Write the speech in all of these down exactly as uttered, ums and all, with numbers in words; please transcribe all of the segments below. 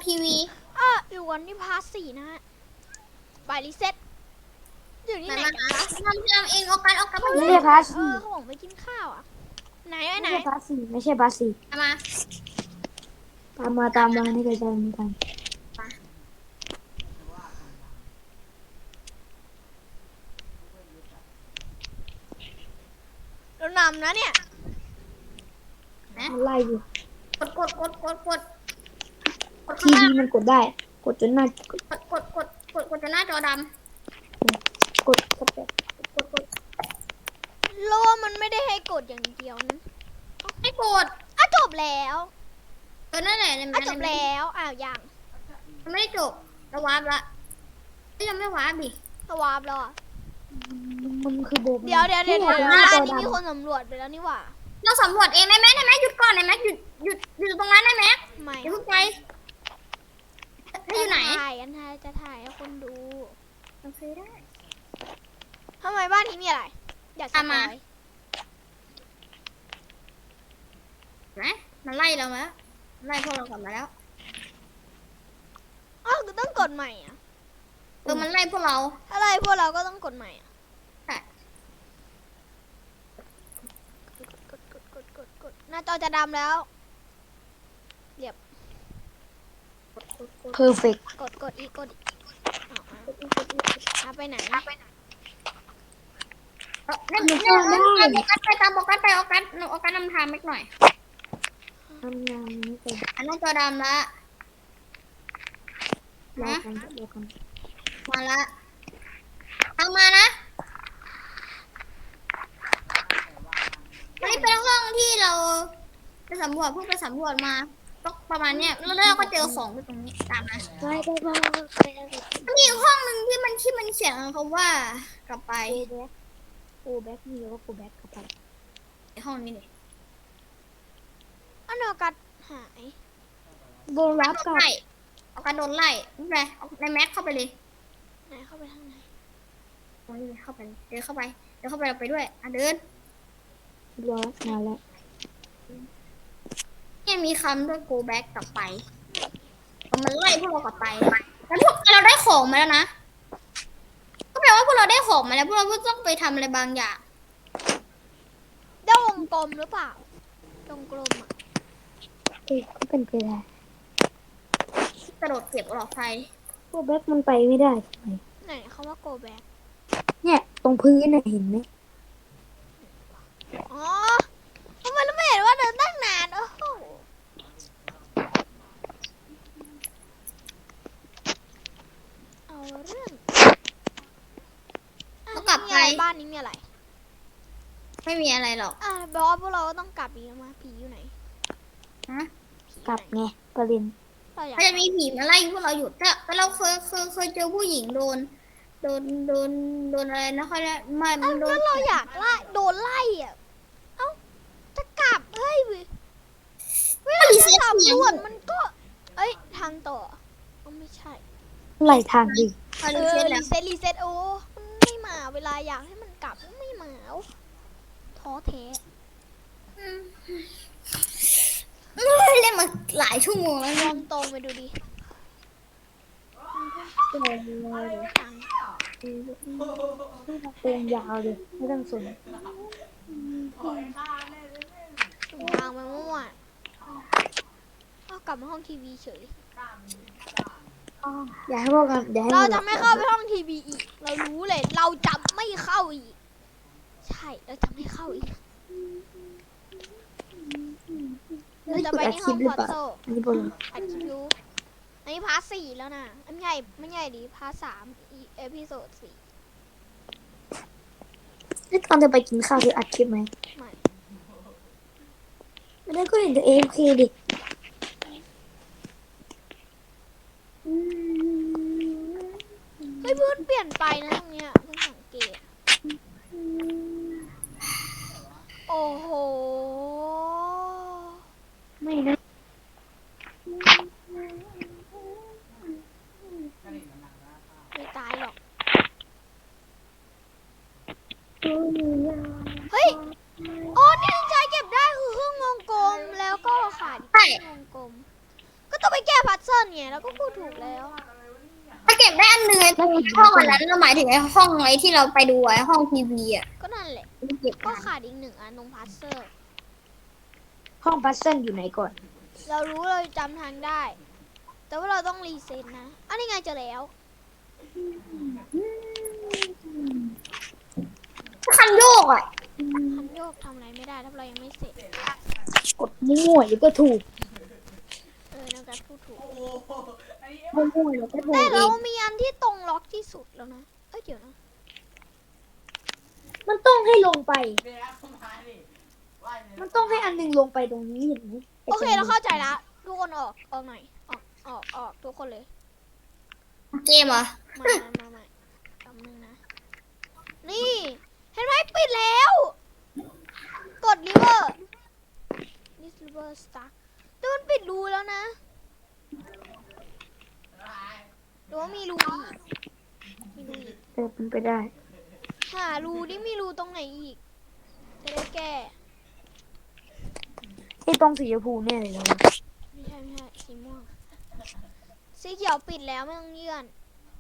ทีวีอ่ะอยู่กันที่พาร์ทสี่นะฮะไปรีเซ็ตอยู่ที่ไหนกันคะทำทำเองเอากันเอากันมาไม่ใช่พาร์ทเอสี่อเขาบอกไปกินข้าวอ่ะไหนไว้ไม่ไหนใช่พาร์ทสี่ไม่ใช่พาร์ทสี่มาตามมาตามมานี่ก็จะมีกันเรานำนะเนี่ยมันไล่อยู่กดกดกดกดกดกดทีข้างวีล่างมันกดได้ กดจนหน้ากดกดกดกดกดจนหน้าจอดกดกดแบบำกดกดโลมันไม่ได้ให้กดอย่างเดียวนะไม่กดอ่ะจบแล้วเออนั่นแหละอ่ะจบแล้วอ้าวยังมันไม่ได้จบเราวาร์ปละยังไม่วาร์ปดิสวาบแล้วอ่ะมันคือโบเดี๋ยวเดี๋ยวเดี๋ยวนี่เดี๋ยวไงหน้าบ้าจนอนี้มีคนดำสำรวจไปแล้วนี่หว่าเราสำรวจเองได้ไหมได้ไหมหยุดก่อนได้ไหมหยุดหยุดหยุดตรงนั้นได้ไหมไม่อย่าเพิ่งไปให้อยู่ไหนถ่ายกันถ่ายจะถ่ายให้คนดูโอเคได้ทำไมบ้านนี้มีอะไร อยากสตามปมาอยไหมมันไล่เรามาแล้วไล่พวกเรากลับมาแล้วอ้าวก็ต้องกดใหม่อ่ะเออมันไล่พวกเราอะไรพวกเราก็ต้องกดใหม่อ่ะใช่กดกดกดกดกดหน้าจอจะดำแล้วเพอร์เฟกต์กดกดอีกกดอีกอ้าวอ้าวเอาไปไหนเออนั่นนี่ตามโบกัสไปตามโบกัสไปเอากัสเอากัสนำทางเล็กหน่อยทำงานนี้เป็นอันนั้นจอดำละรอนะกันรอกันมาละเอามานะอันนี้เป็นห้องที่เราไปสำรวจเพิ่งไปสำรวจมาก็ประมาณเนี้ยแล้วเราก็เจอของอยู่ตรงนี้ตามมาไปไปไปไปไปมันมีอีกห้องหนึ่งที่มันที่มันเขียนคำว่ากลับไปโกแบ็กโกแบ็กนี่แล้วก็โกแบ็กกลับไปในห้องนี้นี่อันเดียวกันหายโบกัรัสบโดนกับไล่เอากัสโดนไล่ไม่เป็นไรเอาในแม็กเข้าไปเลยไหนเข้าไปทางไหนตรงนี้เลยเข้าไปเลยเดินเข้าไปเดินเข้าไปเราไปด้วยอ่ะเดินรอมาแล้วเนี่ยมีคำด้วย go back กลับไปมันไล่พวกเรากลับไปแล้วพวกเราได้ของมาแล้วนะก็แปลว่าพวกเราได้ของมาแล้วพวกเราก็ต้องไปทำอะไรบางอย่างได้วงกลมหรือเปล่าวงกลมอ่ะเอ้ยก็เป็นไปได้กระโดดเก็บหลอดไฟโกแบ็กมันไปไม่ได้ทำไมไหนเขาว่า go back เนี่ยตรงพื้นน่ะเห็นไหมอ๋อทำไมเราไม่เห็นว่าเดินตั้งนานโอ้โหเอาเรื่องอ่ะเขากลับมีไปอะไรบ้านนี้มีอะไรไม่มีอะไรหรอกอ่ะบอกว่าพวกเราก็ต้องกลับอีกแล้วมาผีอยู่ไหนฮะผีอยู่กลับไหนไงประเด็นเราอยากมันจะมีผีมาไล่พวกเราอยู่แต่แต่เราเคยเคยเคยเจอผู้หญิงโดนโดนโดนโดนอะไรนะเขาเรียกไม่มัเอ้านโดแล้นวเราอยากไล่โดนไล่อ่ะเอ้าจะกลับเฮ้ยเว้ยเวลาจะสำรวจมันก็ เอ้ยทางต่อเอาไม่ใช่ไหลทางดิเขาเอรีอเซ็ตแล้วรีเซ็ตรีเซ็ตโอ้มันไม่มาเวลาอยากให้มันกลับมันไม่มาเอาท้อแท้อืมเล่นมาหลายชั่วโมงแล้วลเนี่ยองตรงไปดูดิทางเต็มยาวเลยไม่ต้องสนทางมามั่วเอากลับมาห้องทีวีเฉยอย่าให้พวกกันอย่าให้เราจะไม่เข้าไปห้องทีวีอีก เรารู้เลย เราจะไม่เข้าอีก ใช่ เราจะไม่เข้าอีก เราจะไปที่ห้องพอตโต้อันนี้บนอัดคลิปอยู่อันนี้พาร์ทสี่แล้วนะอันใหญ่ไม่ใหญ่ดิพาร์ทสามอีเอพิโซดสี่นี่ตอนจะไปกินข้าวคืออัดคลิปไหมไม่ไม่ได้ก็เห็นแต่เอฟเคดิเฮ้ยพื้นเปลี่ยนไปนะตรงเนี้ยเพิ่งสังเกต โอ้โหไม่นะไม่ตายหรอก เฮ้ย โอ้เนี่ยใจเก็บได้คือเครื่องวงกลมแล้วก็ขาดอีกเครื่องวงกลม ก็ต้องไปแก้พัซเซิลไงเราก็พูดถูกแล้วถ้าเก็บได้อันหนึ่งไอ้ตรงห้องอันนั้นเราหมายถึงไอ้ห้องไอ้ที่เราไปดูไอ้ห้องทีวีอ่ะก็นั่นแหละไม่เก็บก็ได้ขาดอีกหนึ่งอันตรงพัซเซอร์ห้องพัซเซิลอยู่ไหนก่อนเรารู้เราจำทางได้ แต่ว่าเราต้องรีเซ็ตนะ อันนี้ไงเจอแล้วคันโยกอ่ะคันโยกทำอะไรไม่ได้ถ้าเรายังไม่เสร็จกดมั่วๆเดี๋ยวก็ถูกเออน้องการพูดถูกมั่วๆเดี๋ยวก็ถูแต่กเอเรางมีอันที่ตรงล็อกที่สุดแล้วนะ เอ้ยเดี๋ยวนะมันต้องให้ลงไป มันต้องให้อันหนึงลงไปตรงนี้เห็นไหมไโอเคเราเข้าใจละทุกคนออกออกหน่อย ออกออกออกทุกคนเลยเกมเหรอมามามามาคำนึงนะ นี่ เห็นไหมปิดแล้ว กด river this river stuck แต่มันปิดรูแล้วนะหรือว่ามีรูอีก มีรูอีกเออเป็นไปได้หารูนี่มีรูตรงไหนอีก จะได้แก้ที่ตรงสีชมพูแน่เลยนะไม่ใช่ไม่ใช่สีม่วง สีเขียวปิดแล้วไม่ต้องเลื่อน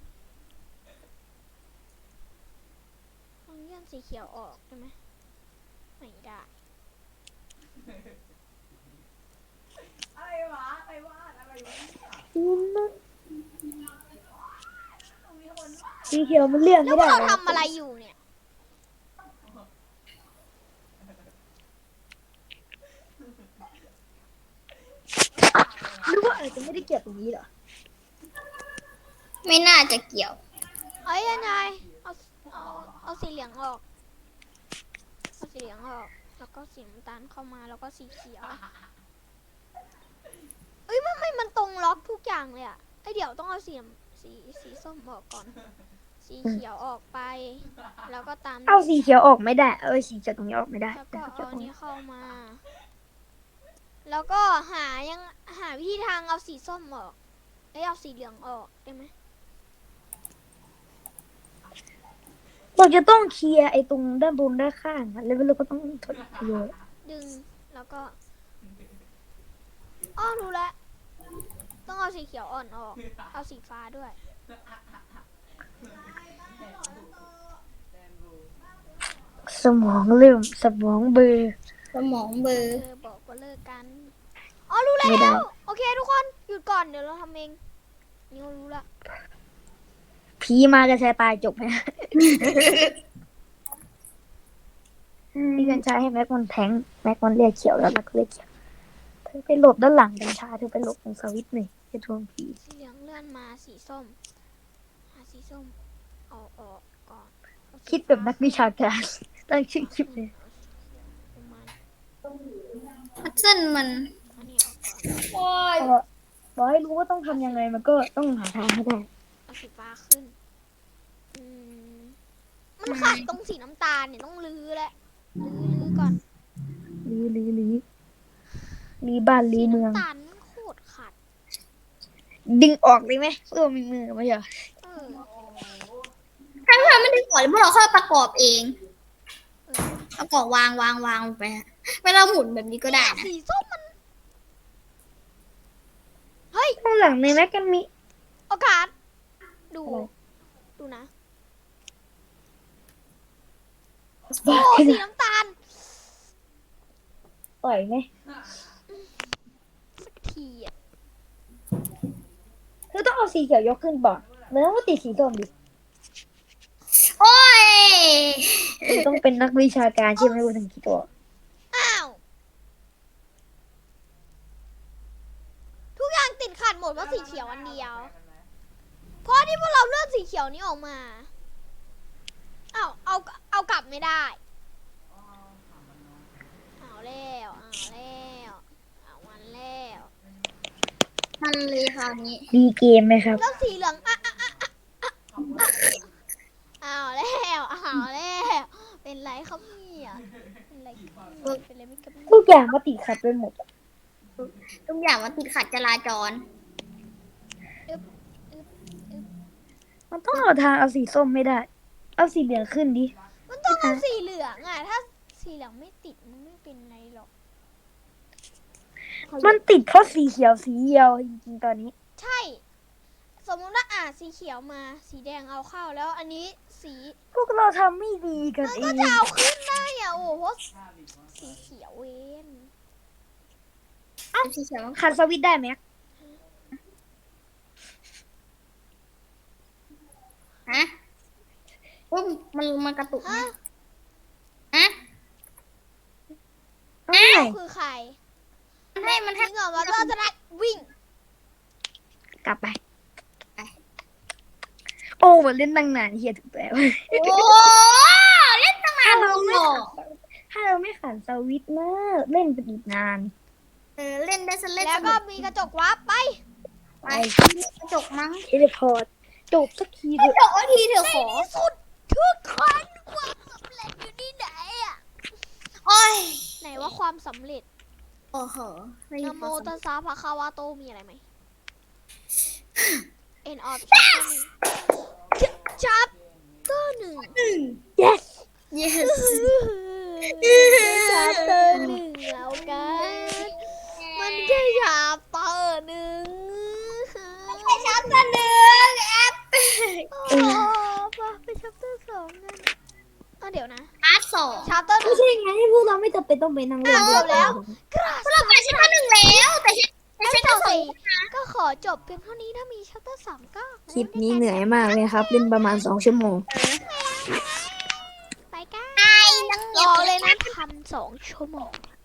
ต้องเลื่อนสีเขียวออกได้ไหมไม่ได้สีเขียวมันเลี่ยงแล้วไม่พวกได้เราทำอะไรอยู่เนี่ยหรือว่าอาจจะไม่ได้เกี่ยวตรงนี้เหรอไม่น่าจะเกี่ยวเอ้ยยังไงเอาเอาเอาสีเหลืองออก เอาสีเหลืองออก แล้วก็สีน้ำตาลเข้ามา แล้วก็สีเขียว เอ้ยมันไม่มันตรงล็อกทุกอย่างเลยอะไอยเดี๋ยวต้องเอาสีน้ำสีสีส้มออกก่อน สีเขียวออกไป แล้วก็ตามเอาสีเขียวออกไม่ได้ เอาสีเขียวตรงนี้ออกไม่ได้แล้วก็แต่เอาสีเขียวตรงอันนี้นี้เข้ามา แล้วก็หายังหาวิธีทางเอาสีส้มออกเอ้ยเอาสีเหลืองออกได้ไหมเราจะต้องเคลียร์ไอ้ตรงด้านบนด้านข้างอะแล้วเราก็ต้องถอดเคลียร์ดึง แล้วก็ อ้อรู้แล้ว ต้องเอาสีเขียวอ่อนออก เอาสีฟ้าด้วยสมองเริ่มสมองเบลอสมองเบลอเออบอกว่าเลิกกัน อ๋อรู้แล้ไม่ได้ว โอเคทุกคนหยุดก่อนเดี๋ยวเราทำเอง นี่เรารู้ละผีมาจะแชร์ตายจบไหม พี่กัญชาให้แม็กมันแทงแม็กมันเรียกเขียวแล้วแม็กก็เรียกเขียวเธอไปหลบด้านหลังกัญชาเธอไปหลบตรงสวิตช์หน่อยจะทวงผีสีเหลืองเลื่อนมาสีส้ม หาสีส้มเอาออกก่อนเอาสีคิดแบบนักวิชาการตั้งชื่อคลิปเลยประมาณพัซเซิลมันอันนี้ออกก่อนโอ้ยบอกให้รู้ว่าต้องทำยังไงมันก็ต้องหาทางให้ได้เอาสีฟ้าขึ้น อืม มันขาดตรงสีน้ำตาลเนี่ยต้องรื้อแหละรื้อรื้อก่อนลีลีลีลีบ้านลีสีเมืองน้ำตาลมันโคตรขาดดึงออกเลยไหมเพื่อมีมือไม่ใช่เหรอเออถ้าเราไม่ได้ก่อนพวกเราค่อยประกอบเองเออประกอบวางวางวางลงไปฮะเวลาหมุนแบบนี้ก็ได้นะสีส้มมัน เฮ้ยข้างหลังในแม็กกันมีโอกาส ดูอะไรดูนะบอโอ้กให้สีนะน้ำตาลต่อยไหมสักทีอ่ะเธอต้องเอาสีเขียวยกขึ้นบ่อนมันต้องติดสีส้มดิโอ้ยเธอต้องเป็นนักวิชาการใช่ไหมคุณถึงคิดตัวอ้าว ทุกอย่างติดขัดหมดว่าะสีเขียวอันเดียว เพราะที่พวกเราเลือกสีเขียวนี้ออกมา อ้าว เอา เอากลับไม่ได้ เอาแล้ว เอาแล้ว เอามันแล้วมันเลยคราวนี้ดีเกมไหมครับแล้วสีเหลืองอ่ะอ่ะอ่ะอ่ะอ่ะอ่ะเอาแล้วเอาแล้ว เป็นไรครับเนี่ยเป็นไรครับเนี่ยเป็นไรไม่กับทุกอย่างมาติดขัดไปหมดอะทุกอย่างมันติดขัดจราจรมันต้องเอาทางเอาสีส้มไม่ได้ เอาสีเหลืองขึ้นดิมันต้องเอาสีเหลืองอ่ะ ถ้าสีเหลืองไม่ติดมันไม่เป็นไรหรอกมันติดเพราะสีเขียวสีเดียวจริงๆตอนนี้ใช่ สมมติว่าอ่าสีเขียวมา สีแดงเอาเข้าแล้วอันนี้สีพวกเราทำไม่ดีกันมันเอก็งจะเอาขึ้นได้อ่ะโอ้โหสีเขียวเวนสีเขียวขันสวิตช์ได้ไหมฮะอุ้ยมันมันกระตุกฮะฮะเอ้ยคือใครมันให้มันให้ทิ้งออกมาเราจะได้วิ่งกลับไป โอ้มันเล่นตั้งนานเฮียถูกแล้วโอ้เล่นตั้งนานถ้าเราไม่หรอขันถ้าเราไม่ขันสวิตช์นะเล่นไปอีกนานเออเล่นได้ซะเล่นแล้วก็มีกระจกวับไปไปกระจกมั้งเทเลพอร์ตจบสักทีกเถระอะจกว่าทีเถอะขอสุดทุกคนความสำเร็จอยู่ที่ไหนอ่ะโอ้ยไหนว่าความสำเร็จโอ้โหไม่มีนะโมความสำตัเร็สจสะภะคะวะโตมีอะไรไหม End of chapter หนึ่ง chapter หนึ่ง yes yes chapter หนึ่งแล้วกัน มันแค่ chapter หนึ่งแค่ชับตัวหนึ่งแอปโอ้ปะไป chapter สองกันอ่ะเดี๋ยวนะพาร์ทสอง chapter หไม่นึ่งใช่ไงพวกเราไม่จำเป็นต้องไปนั่งเล่นเอาด้วยแล้วพวกเราไปชั้นหนึ่งแล้วแต่ชั้นแต่ชั้นสองก็ขอจบเพียงเท่านี้ถ้ามี chapter สามก็คลิปนี้เหนื่อยมากเลยครับ เล่นประมาณสองชั่วโมงไปกันไอ้นังรเก็อบ เลยนะพันสองชั่วโมง